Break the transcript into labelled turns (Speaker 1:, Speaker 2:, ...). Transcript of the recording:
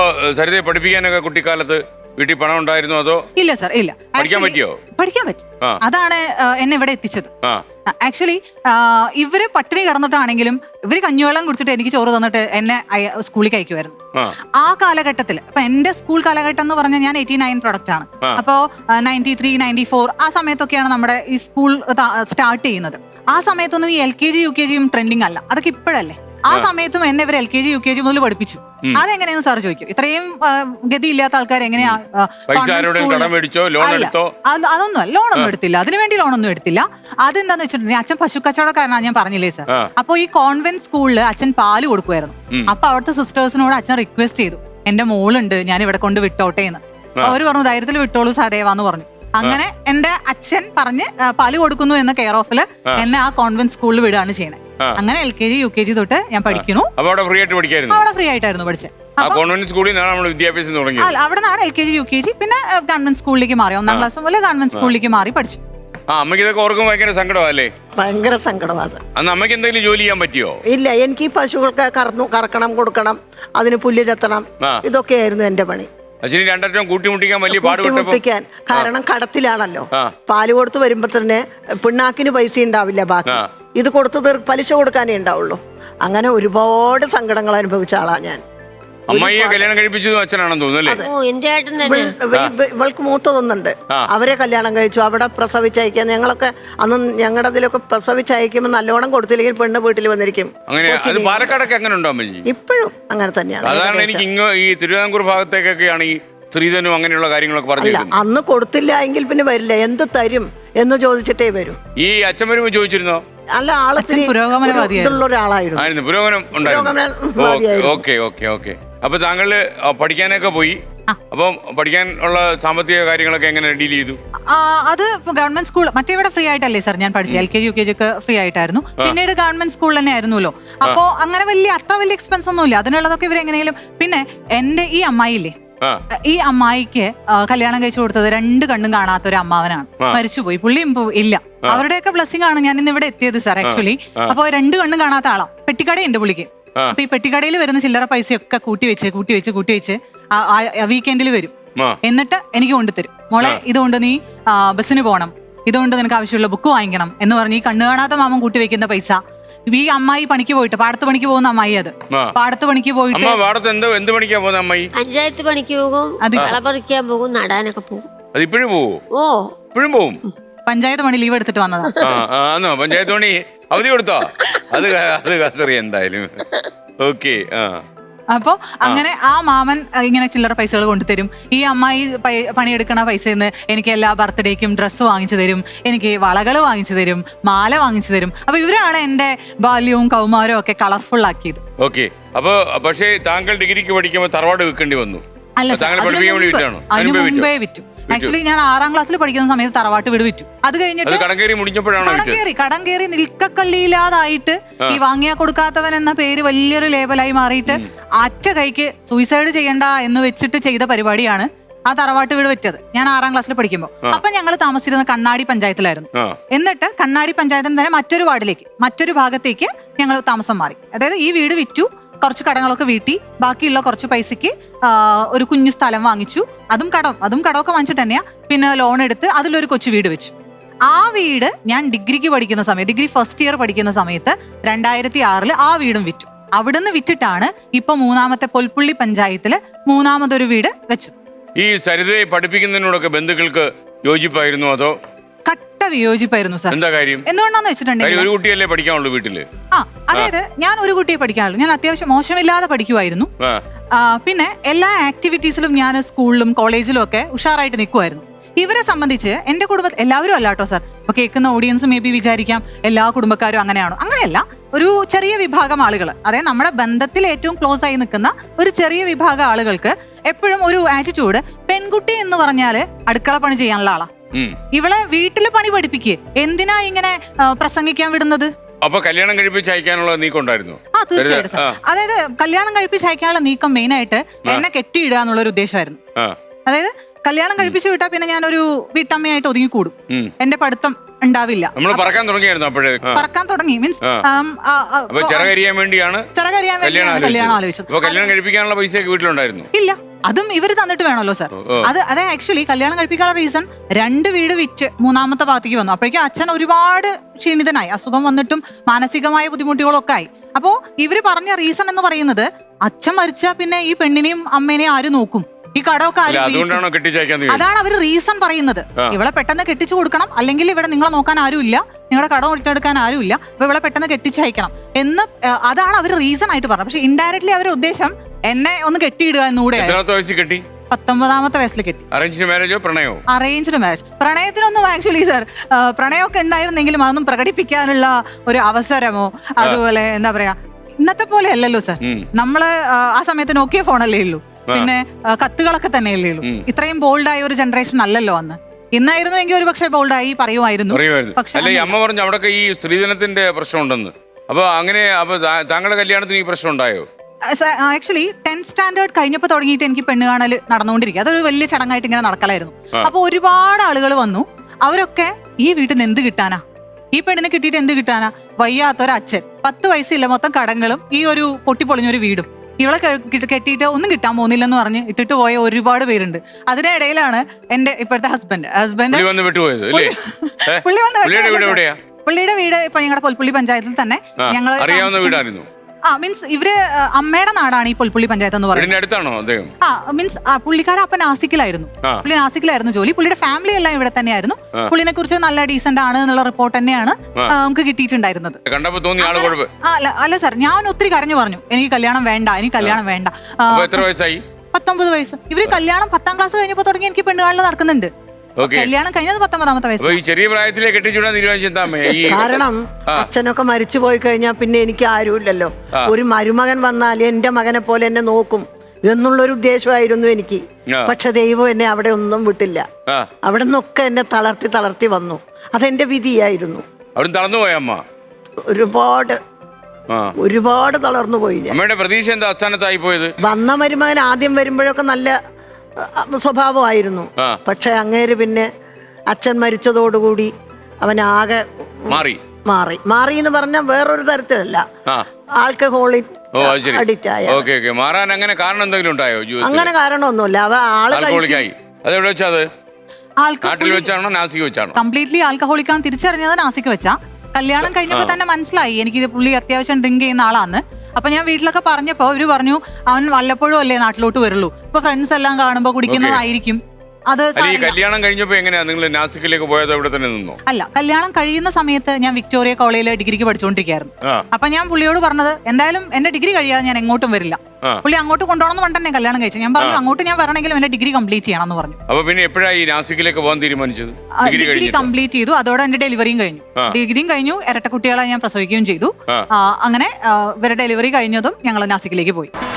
Speaker 1: സരിതയെ പഠിപ്പിക്കാനൊക്കെ കുട്ടിക്കാലത്ത് വീട്ടിൽ പണം ഉണ്ടായിരുന്നോ അതോ?
Speaker 2: ഇല്ല സർ, ഇല്ല.
Speaker 1: പഠിക്കാൻ പറ്റിയോ?
Speaker 2: പഠിക്കാൻ പറ്റും. അതാണ് എന്നെ ഇവിടെ എത്തിച്ചത്. ആക്ച്വലി ഇവര് പട്ടിണി കിടന്നിട്ടാണെങ്കിലും ഇവര് കഞ്ഞിവെള്ളം കുടിച്ചിട്ട് എനിക്ക് ചോറ് തന്നിട്ട് എന്നെ സ്കൂളിൽ അയക്കുമായിരുന്നു. ആ കാലഘട്ടത്തിൽ ഇപ്പൊ എന്റെ സ്കൂൾ കാലഘട്ടം എന്ന് പറഞ്ഞാൽ ഞാൻ 89 പ്രൊഡക്റ്റ് ആണ്. അപ്പോ 93, 94 ആ സമയത്തൊക്കെയാണ് നമ്മുടെ ഈ സ്കൂൾ സ്റ്റാർട്ട് ചെയ്യുന്നത്. ആ സമയത്തൊന്നും ഈ LKG UKG ട്രെൻഡിങ് അല്ല, അതൊക്കെ ഇപ്പോഴല്ലേ. ആ സമയത്തും എന്നെ ഇവർ LKG UKG മുതൽ പഠിപ്പിച്ചു. അതെങ്ങനെയാന്ന് സാർ ചോദിക്കും. ഇത്രയും ഗതിയില്ലാത്ത ആൾക്കാർ എങ്ങനെയാ? അതൊന്നും ലോണൊന്നും എടുത്തില്ല, അതിനുവേണ്ടി ലോണൊന്നും എടുത്തില്ല. അതെന്താന്ന് വെച്ചിട്ടുണ്ടെങ്കിൽ അച്ഛൻ പശു കച്ചവടക്കാരനാണ്, ഞാൻ പറഞ്ഞില്ലേ സാർ. അപ്പൊ ഈ കോൺവെന്റ് സ്കൂളിൽ അച്ഛൻ പാല് കൊടുക്കുമായിരുന്നു. അപ്പൊ അവിടുത്തെ സിസ്റ്റേഴ്സിനോട് അച്ഛൻ റിക്വസ്റ്റ് ചെയ്തു, എന്റെ മോളുണ്ട്, ഞാൻ ഇവിടെ കൊണ്ട് വിട്ടോട്ടെ എന്ന്. അവര് പറഞ്ഞു ധൈര്യത്തിൽ വിട്ടോളൂ സദേവാന്ന് പറഞ്ഞു. അങ്ങനെ എന്റെ അച്ഛൻ പറഞ്ഞ് പാല് കൊടുക്കുന്നു എന്ന കെയർ ഓഫില് എന്നെ ആ കോൺവെന്റ് സ്കൂളിൽ വിടുകയാണ് ചെയ്യണേ. അങ്ങനെ LKG UKG തൊട്ട് ഞാൻ പഠിക്കുന്നു. അവിടെ ഫ്രീ ആയിട്ടായിരുന്നു പഠിച്ചത്. അവിടെ നിന്നാണ് LKG UKG, പിന്നെ ഗവൺമെന്റ് സ്കൂളിലേക്ക് മാറി. 1ാം ക്ലാസ് മുതൽ ഗവൺമെന്റ് സ്കൂളിലേക്ക് മാറി പഠിച്ചു.
Speaker 3: ഭയങ്കര സങ്കടമാണ്.
Speaker 1: അമ്മയ്ക്ക് എന്തെങ്കിലും ജോലി ചെയ്യാൻ പറ്റിയോ?
Speaker 3: ഇല്ല, എനിക്ക് പശുക്കൾക്ക് കറക്കണം, കൊടുക്കണം, അതിന് പുല്ല് ചെത്തണം, ഇതൊക്കെയായിരുന്നു എന്റെ പണി. കൂട്ടിമുട്ടിക്കാൻ കാരണം കടത്തിലാണല്ലോ. പാല് കൊടുത്ത് വരുമ്പോ തന്നെ പിണ്ണാക്കിന് പൈസ ഉണ്ടാവില്ല, ബാക്കി ഇത് കൊടുത്ത് പലിശ കൊടുക്കാനേ ഉണ്ടാവുള്ളൂ. അങ്ങനെ ഒരുപാട് സങ്കടങ്ങൾ അനുഭവിച്ച ആളാ ഞാൻ.
Speaker 1: അമ്മയെ കല്യാണം കഴിപ്പിച്ചതും അച്ഛനാണെന്ന് തോന്നുന്നു.
Speaker 3: ഇവൾക്ക് മൂത്തതൊന്നുണ്ട്, അവരെ കല്യാണം കഴിച്ചു. അവിടെ പ്രസവിച്ചയക്കാൻ ഞങ്ങളൊക്കെ അന്ന് ഞങ്ങളുടെ അതിലൊക്കെ പ്രസവിച്ചയക്കുമ്പോൾ നല്ലോണം കൊടുത്തില്ലെങ്കിൽ പെണ്ണ് വീട്ടിൽ വന്നിരിക്കും.
Speaker 1: പാലക്കാടൊക്കെ അങ്ങനെ ഉണ്ടോ? ഇപ്പോഴും
Speaker 3: അങ്ങനെ തന്നെയാണ്.
Speaker 1: അതാണ് എനിക്ക് ഈ തിരുവിതാംകൂർ ഭാഗത്തേക്കൊക്കെയാണ് ഈ സ്ത്രീധനം അങ്ങനെയുള്ള കാര്യങ്ങളൊക്കെ പറഞ്ഞു.
Speaker 3: അന്ന് കൊടുത്തില്ല എങ്കിൽ പിന്നെ വരില്ല, എന്ത് തരും എന്ന് ചോദിച്ചിട്ടേ വരും.
Speaker 1: ഈ അച്ഛൻ വരുമ്പോ ചോദിച്ചിരുന്നോ?
Speaker 3: അല്ല, ആളത്തിന് പുരോഗമനമുള്ള ഒരാളായിരുന്നു.
Speaker 1: പുരോഗമനം ഉണ്ടായിരുന്നു. അപ്പൊ താങ്കള് പഠിക്കാനൊക്കെ പോയി. അപ്പം പഠിക്കാനുള്ള സാമ്പത്തിക കാര്യങ്ങളൊക്കെ എങ്ങനെ ഡീൽ ചെയ്തു?
Speaker 2: അത് ഗവൺമെന്റ് സ്കൂൾ മറ്റേ ഫ്രീ ആയിട്ടല്ലേ സാർ ഞാൻ പഠിച്ചത്. LKG UKG ഒക്കെ ഫ്രീ ആയിട്ടായിരുന്നു. പിന്നീട് ഗവൺമെന്റ് സ്കൂൾ തന്നെ ആയിരുന്നല്ലോ. അപ്പോ അങ്ങനെ അത്ര വലിയ എക്സ്പെൻസ് ഒന്നും ഇല്ല. അതിനുള്ളതൊക്കെ ഇവരെങ്ങനെയും. പിന്നെ എന്റെ ഈ അമ്മായില്ലേ, ഈ അമ്മായിക്ക് കല്യാണം കഴിച്ചു കൊടുത്തത് 2 കണ്ണും കാണാത്ത ഒരു അമ്മാവനാണ്. മരിച്ചുപോയി, പുള്ളിയും ഇല്ല. അവരുടെയൊക്കെ ബ്ലെസ്സിംഗ് ആണ് ഞാൻ ഇന്ന് ഇവിടെ എത്തിയത് സാർ ആക്ച്വലി. അപ്പൊ 2 കണ്ണും കാണാത്ത ആളാ. പെട്ടിക്കടയുണ്ട് പുള്ളിക്ക്. അപ്പൊ ഈ പെട്ടിക്കടയിൽ വരുന്ന ചില്ലറ പൈസയൊക്കെ കൂട്ടി വെച്ച് വീക്കെൻഡിൽ വരും. എന്നിട്ട് എനിക്ക് കൊണ്ടുതരും. മോളെ, ഇതുകൊണ്ട് നീ ബസ്സിന് പോകണം, ഇതുകൊണ്ട് നിനക്ക് ആവശ്യമുള്ള ബുക്ക് വാങ്ങിക്കണം എന്ന് പറഞ്ഞ് ഈ കണ്ണു കാണാത്ത മാമൻ കൂട്ടി വെക്കുന്ന പൈസ ഈ അമ്മായി പണിക്ക് പോയിട്ട്, പാടത്ത് പണിക്ക് പോകുന്ന അമ്മായി, അത് പാടത്ത് പണിക്ക് പോയിട്ട്
Speaker 4: പഞ്ചായത്ത് പണിക്ക് പോകും, കളപറിക്കാൻ പോകും, നടാനൊക്കെ പോകും.
Speaker 2: പഞ്ചായത്ത് പണി ലീവ് എടുത്തിട്ട് വന്നതാ.
Speaker 1: പഞ്ചായത്ത് പണി അവധി കൊടുത്തോ? അത് എന്തായാലും ഓക്കെ.
Speaker 2: അപ്പൊ അങ്ങനെ ആ മാമൻ ഇങ്ങനെ ചില്ലറ പൈസകൾ കൊണ്ടുതരും. ഈ അമ്മായി പണിയെടുക്കണ പൈസന്ന് എനിക്ക് എല്ലാ ബർത്ത്ഡേക്കും ഡ്രസ്സ് വാങ്ങിച്ചു തരും, എനിക്ക് വളകൾ വാങ്ങിച്ചു തരും, മാല വാങ്ങിച്ചു തരും. അപ്പൊ ഇവരാണ് എന്റെ ബാല്യവും കൗമാരവും ഒക്കെ കളർഫുൾ ആക്കിയത്.
Speaker 1: ഓക്കെ. അപ്പൊ പക്ഷേ താങ്കൾ ഡിഗ്രിക്ക് പഠിക്കുമ്പോൾ തറവാട് വിൽക്കേണ്ടി വന്നു?
Speaker 2: അല്ല, അതിന് മുമ്പേ വിറ്റു. ആക്ച്വലി ഞാൻ 6ാം ക്ലാസ്സിൽ പഠിക്കുന്ന സമയത്ത് തറവാട്ട് വീട് വിറ്റു. അത് കഴിഞ്ഞിട്ട് കടം കയറി നിൽക്കക്കള്ളിയില്ലാതായിട്ട് ഈ വാങ്ങിയാ കൊടുക്കാത്തവൻ എന്ന പേര് വലിയൊരു ലേബലായി മാറിയിട്ട് അറ്റ കൈക്ക് സൂയിസൈഡ് ചെയ്യണ്ട എന്ന് വെച്ചിട്ട് ചെയ്ത പരിപാടിയാണ് ആ തറവാട്ട് വീട് വെച്ചത്. ഞാൻ 6ാം ക്ലാസ്സിൽ പഠിക്കുമ്പോൾ. അപ്പൊ ഞങ്ങൾ താമസിച്ചിരുന്ന കണ്ണാടി പഞ്ചായത്തിലായിരുന്നു. എന്നിട്ട് കണ്ണാടി പഞ്ചായത്തിന് തന്നെ മറ്റൊരു വാർഡിലേക്ക്, മറ്റൊരു ഭാഗത്തേക്ക് ഞങ്ങൾ താമസം മാറി. അതായത് ഈ വീട് വിറ്റു, കുറച്ച് കടങ്ങളൊക്കെ വീട്ടി, ബാക്കിയുള്ള കുറച്ച് പൈസക്ക് ഒരു കുഞ്ഞു സ്ഥലം വാങ്ങിച്ചു. അതും കടമൊക്കെ വാങ്ങിച്ചിട്ട് തന്നെയാ. പിന്നെ ലോൺ എടുത്ത് അതിലൊരു കൊച്ചു വീട് വെച്ചു. ആ വീട് ഞാൻ ഡിഗ്രിക്ക് പഠിക്കുന്ന സമയത്ത്, ഡിഗ്രി ഫസ്റ്റ് ഇയർ പഠിക്കുന്ന സമയത്ത് 2006 ആ വീടും വിറ്റു. അവിടുന്ന് വിറ്റിട്ടാണ് ഇപ്പൊ 3ാമത്തെ പൊൽപ്പുള്ളി പഞ്ചായത്തില് 3ാമതൊരു വീട് വെച്ചത്.
Speaker 1: ഈ സരിതയെ പഠിപ്പിക്കുന്നതിനോടൊക്കെ ബന്ധുക്കൾക്ക് യോജിപ്പായിരുന്നു അതോ?
Speaker 2: കട്ട വിയോജിപ്പായിരുന്നു സാർ.
Speaker 1: എന്താ കാര്യം?
Speaker 2: എന്തുകൊണ്ടാന്ന് വെച്ചിട്ടുണ്ടെങ്കിൽ
Speaker 1: ഒരു കുട്ടിയല്ലേ പഠിക്കാനുള്ളൂ വീട്ടില്.
Speaker 2: അതായത് ഞാൻ ഒരു കുട്ടിയെ പഠിക്കാനുള്ളൂ. ഞാൻ അത്യാവശ്യം മോശമില്ലാതെ പഠിക്കുമായിരുന്നു. പിന്നെ എല്ലാ ആക്ടിവിറ്റീസിലും ഞാൻ സ്കൂളിലും കോളേജിലും ഒക്കെ ഉഷാറായിട്ട് നിൽക്കുമായിരുന്നു. ഇവരെ സംബന്ധിച്ച് എന്റെ കുടുംബത്തിൽ എല്ലാവരും അല്ലാട്ടോ സാർ. ഇപ്പൊ കേൾക്കുന്ന ഓഡിയൻസ് മേ ബി വിചാരിക്കാം എല്ലാ കുടുംബക്കാരും അങ്ങനെയാണോ. അങ്ങനെയല്ല, ഒരു ചെറിയ വിഭാഗം ആളുകൾ, അതായത് നമ്മുടെ ബന്ധത്തിൽ ഏറ്റവും ക്ലോസ് ആയി നിൽക്കുന്ന ഒരു ചെറിയ വിഭാഗം ആളുകൾക്ക് എപ്പോഴും ഒരു ആറ്റിറ്റ്യൂഡ്, പെൺകുട്ടി എന്ന് പറഞ്ഞാല് അടുക്കള പണി ചെയ്യാനുള്ള ആളാ, ഇവളെ വീട്ടില് പണി പഠിപ്പിക്കേ, എന്തിനാ ഇങ്ങനെ പ്രസംഗിക്കാൻ വിടുന്നത്.
Speaker 1: അപ്പൊ കല്യാണം കഴിപ്പിച്ച് അയക്കാനുള്ള നീക്കം ഉണ്ടായിരുന്നു?
Speaker 2: തീർച്ചയായിട്ടും സാർ. അതായത് കല്യാണം കഴിപ്പിച്ച് അയക്കാനുള്ള നീക്കം മെയിൻ ആയിട്ട് എന്നെ കെട്ടിയിടുക എന്നുള്ളൊരു ഉദ്ദേശമായിരുന്നു. അതായത് കല്യാണം കഴിപ്പിച്ചു വിട്ടാ പിന്നെ ഞാനൊരു വീട്ടമ്മയായിട്ട് ഒതുങ്ങിക്കൂടും, എന്റെ പഠിത്തം ഉണ്ടാവില്ല.
Speaker 1: പറക്കാൻ
Speaker 2: തുടങ്ങി മീൻസ്
Speaker 1: ചിറകരിയാൻ വേണ്ടിയാണ്
Speaker 2: കല്യാണം ആലോചിച്ചത്.
Speaker 1: കല്യാണം കഴിപ്പിക്കാനുള്ള പൈസ വീട്ടിലുണ്ടായിരുന്നു?
Speaker 2: ഇല്ല. അതും ഇവര് തന്നിട്ട് വേണമല്ലോ സർ. അത് ആക്ച്വലി കല്യാണം കഴിപ്പിക്കാനുള്ള റീസൺ 2 വീട് വിറ്റ് 3ാമത്തെ ഭാഗത്തേക്ക് വന്നു. അപ്പോഴേക്കും അച്ഛൻ ഒരുപാട് ക്ഷീണിതനായി, അസുഖം വന്നിട്ടും മാനസികമായ ബുദ്ധിമുട്ടുകളൊക്കെ ആയി. അപ്പോ ഇവര് പറഞ്ഞ റീസൺ എന്ന് പറയുന്നത് അച്ഛൻ മരിച്ചാ പിന്നെ ഈ പെണ്ണിനെയും അമ്മേനെയും ആര് നോക്കും, ഈ കടമൊക്കെ അതാണ് അവര് റീസൺ പറയുന്നത്. ഇവളെ പെട്ടെന്ന് കെട്ടിച്ചു കൊടുക്കണം, അല്ലെങ്കിൽ ഇവിടെ നിങ്ങളെ നോക്കാൻ ആരുമില്ല, നിങ്ങളുടെ കടം ഒറ്റെടുക്കാൻ ആരുമില്ല, അപ്പൊ ഇവളെ പെട്ടെന്ന് കെട്ടിച്ചയക്കണം എന്ന് അതാണ് അവർ റീസൺ ആയിട്ട് പറഞ്ഞത്. പക്ഷെ ഇൻഡയറക്ട്ലി അവരുടെ ഉദ്ദേശം എന്നെ ഒന്ന് കെട്ടിയിടുക എന്നുകൂടെ. 19ാമത്തെ വയസ്സിൽ കെട്ടി. Arranged marriage. പ്രണയത്തിനൊന്നും ആക്ച്വലി സർ പ്രണയമൊക്കെ ഉണ്ടായിരുന്നെങ്കിലും അതൊന്നും പ്രകടിപ്പിക്കാനുള്ള ഒരു അവസരമോ അതുപോലെ എന്താ പറയാ ഇന്നത്തെ പോലെ അല്ലല്ലോ സർ. നമ്മള് ആ സമയത്ത് നോക്കിയ ഫോണല്ലേ ഉള്ളൂ, പിന്നെ കത്തുകളൊക്കെ തന്നെയല്ലേ ഉള്ളൂ. ഇത്രയും ബോൾഡായ ഒരു ജനറേഷൻ അല്ലല്ലോ അന്ന്. ഇന്നായിരുന്നു എങ്കിൽ ഒരു പക്ഷേ ബോൾഡായി പറയുമായിരുന്നു.
Speaker 1: പക്ഷേ അമ്മ പറഞ്ഞു അവിടെ ഈ സ്ത്രീധനത്തിന്റെ പ്രശ്നം ഉണ്ടെന്ന്. അപ്പൊ അങ്ങനെ താങ്കളുടെ കല്യാണത്തിന് ഈ പ്രശ്നം ഉണ്ടായോ?
Speaker 2: ആക്ച്വലി 10th സ്റ്റാൻഡേർഡ് കഴിഞ്ഞപ്പോൾ തുടങ്ങിയിട്ട് എനിക്ക് പെണ്ണ് കാണൽ നടന്നുകൊണ്ടിരിക്കുക. അതൊരു വലിയ ചടങ്ങായിട്ട് ഇങ്ങനെ നടക്കലായിരുന്നു. അപ്പൊ ഒരുപാട് ആളുകൾ വന്നു. അവരൊക്കെ ഈ വീട്ടിൽ നിന്ന് എന്ത് കിട്ടാനാ, ഈ പെണ്ണിനെ കിട്ടിയിട്ട് എന്ത് കിട്ടാനാ, വയ്യാത്തൊരച്ഛൻ, 10 വയസ്സില്ല, മൊത്തം കടങ്ങളും ഈ ഒരു പൊട്ടിപ്പൊളിഞ്ഞൊരു വീടും, ഇവളെ കെട്ടിയിട്ട് ഒന്നും കിട്ടാൻ പോകുന്നില്ലെന്ന് പറഞ്ഞ് ഇട്ടിട്ട് പോയ ഒരുപാട് പേരുണ്ട്. അതിനിടയിലാണ് എന്റെ ഇപ്പോഴത്തെ ഹസ്ബൻഡ് പുള്ളിയുടെ വീട് ഇപ്പൊ ഞങ്ങളുടെ പൊൽപ്പുള്ളി പഞ്ചായത്തിൽ തന്നെ. ഞങ്ങൾ മീൻസ് ഇവര് അമ്മയുടെ നാടാണ് ഈ പൊൽപ്പുള്ളി പഞ്ചായത്ത് എന്ന് പറയുന്നത്. മീൻസ് പുള്ളിക്കാരൻ അപ്പൊ നാസിക്കിലായിരുന്നു. പുള്ളി നാസിക്കിലായിരുന്നു ജോലി. പുള്ളിയുടെ ഫാമിലി എല്ലാം ഇവിടെ തന്നെയായിരുന്നു. പുള്ളിനെ കുറിച്ച് നല്ല ഡീസന്റ് ആണ് എന്നുള്ള റിപ്പോർട്ട് തന്നെയാണ് നമുക്ക് കിട്ടിയിട്ടുണ്ടായിരുന്നത്. അല്ല സാർ, ഞാൻ ഒത്തിരി കരഞ്ഞു പറഞ്ഞു എനിക്ക് കല്യാണം വേണ്ട, എനിക്ക് കല്യാണം വേണ്ട. 19 വയസ്സ്. ഇവര് കല്യാണം 10ാം ക്ലാസ് കഴിഞ്ഞപ്പോ തുടങ്ങി എനിക്ക് പെണ്ണുകാളിൽ നടക്കുന്നുണ്ട്. കല്യാണം കഴിഞ്ഞത് 19ാമത്തെ വയസ്സ്.
Speaker 1: ചെറിയ പ്രായത്തിലെ
Speaker 3: കാരണം അച്ഛനൊക്കെ മരിച്ചു പോയി കഴിഞ്ഞാൽ പിന്നെ എനിക്ക് ആരുമില്ലല്ലോ. ഒരു മരുമകൻ വന്നാൽ എന്റെ മകനെ പോലെ എന്നെ നോക്കും എന്നുള്ളൊരു ഉദ്ദേശമായിരുന്നു എനിക്ക്. പക്ഷെ ദൈവം എന്നെ അവിടെ ഒന്നും വിട്ടില്ല. അവിടെ നിന്നൊക്കെ എന്നെ തളർത്തി വന്നു. അതെന്റെ വിധിയായിരുന്നു. ഒരുപാട് തളർന്നു പോയി.
Speaker 1: പ്രതീക്ഷ എന്താ അസ്ഥാനത്തായി പോയത്?
Speaker 3: വന്ന മരുമകൻ ആദ്യം വരുമ്പോഴൊക്കെ നല്ല സ്വഭാവമായിരുന്നു. പക്ഷെ അങ്ങേര് പിന്നെ അച്ഛൻ മരിച്ചതോടുകൂടി അവനാകെ മാറി എന്ന് പറഞ്ഞാൽ വേറൊരു തരത്തിലല്ല, ആൽക്കഹോളിക് അഡിക്റ്റ് ആയ. അങ്ങനെ കാരണമൊന്നുമില്ല.
Speaker 2: കംപ്ലീറ്റ്ലി ആൽക്കഹോളിക് ആണ് തിരിച്ചറിഞ്ഞത് നാസിക്ക് വെച്ചാ. കല്യാണം കഴിഞ്ഞപ്പോ തന്നെ മനസ്സിലായി എനിക്ക് പുള്ളി അത്യാവശ്യം ഡ്രിങ്ക് ചെയ്യുന്ന ആളാണ്. അപ്പൊ ഞാൻ വീട്ടിലൊക്കെ പറഞ്ഞപ്പോ അവര് പറഞ്ഞു അവൻ വല്ലപ്പോഴും അല്ലേ നാട്ടിലോട്ട് വരുള്ളൂ, ഇപ്പൊ ഫ്രണ്ട്സ് എല്ലാം കാണുമ്പോ കുടിക്കുന്നതായിരിക്കും. അത്
Speaker 1: കല്യാണം കഴിഞ്ഞപ്പോ എങ്ങനെയാ നിങ്ങൾ നാസിക്കിലേക്ക് പോയത്? അവിടെ തന്നെ നിന്നോ?
Speaker 2: അല്ല, കല്യാണം കഴിയുന്ന സമയത്ത് ഞാൻ വിക്ടോറിയ കോളേജിൽ ഡിഗ്രിക്ക് പഠിച്ചുകൊണ്ടിരിക്കുകയായിരുന്നു. അപ്പൊ ഞാൻ പുള്ളിയോട് പറഞ്ഞത് എന്തായാലും എന്റെ ഡിഗ്രി കഴിയാതെ ഞാൻ എങ്ങോട്ടും വരില്ല. പുള്ളി അങ്ങോട്ട് കൊണ്ടുപോകണമെന്ന് പറഞ്ഞിട്ട് തന്നെ കല്യാണം കഴിച്ചു. ഞാൻ പറഞ്ഞു അങ്ങോട്ട് ഞാൻ വരണമെങ്കിലും എന്റെ ഡിഗ്രി കംപ്ലീറ്റ് ചെയ്യണം എന്ന് പറഞ്ഞു.
Speaker 1: അപ്പൊ പിന്നെ എപ്പോഴാണ് ഈ നാസിക്കിലേക്ക് പോകാൻ തീരുമാനിച്ചത്?
Speaker 2: ഡിഗ്രി കംപ്ലീറ്റ് ചെയ്തു. അതോടെ എന്റെ ഡെലിവറിയും കഴിഞ്ഞു. ഡിഗ്രിയും കഴിഞ്ഞു, ഇരട്ട കുട്ടികളെ ഞാൻ പ്രസവിക്കുകയും ചെയ്തു. അങ്ങനെ ഇവരുടെ ഡെലിവറി കഴിഞ്ഞതും ഞങ്ങൾ നാസിക്കിലേക്ക് പോയി.